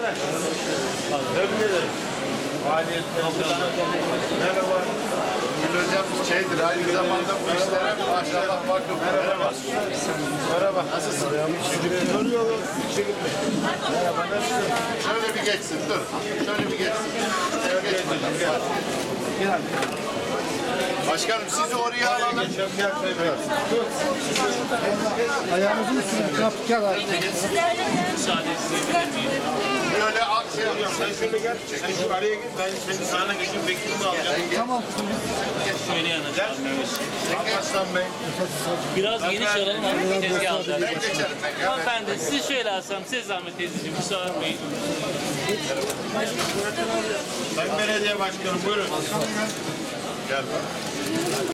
Tebrik ederim. Merhaba. Gül hocam şeydir, aynı zamanda bu işlere maşallah vakıf. Merhaba. Merhaba. Nasılsın? Soruyorum. Merhaba. Nasılsın? Şöyle bir geçsin, dur. Şöyle bir geçsin. Geç bakalım. Gel. Başkanım sizi oraya alalım. Ayağımızın üstüne yaptık ya. Böyle aksiyon. Sen şöyle gel. Sen şu araya git. Ben senin sağına geçip bekleyeyim alacağım. Tamam. Şöyle yanacak. Aslan Bey. Biraz geniş alalım ama tezgah alacağız. Ben geçerim. Hanımefendi sizi şöyle alsam size zahmet teyzeciğim kusura bakmayın. Sayın Belediye Başkanım buyurun. Gel bak.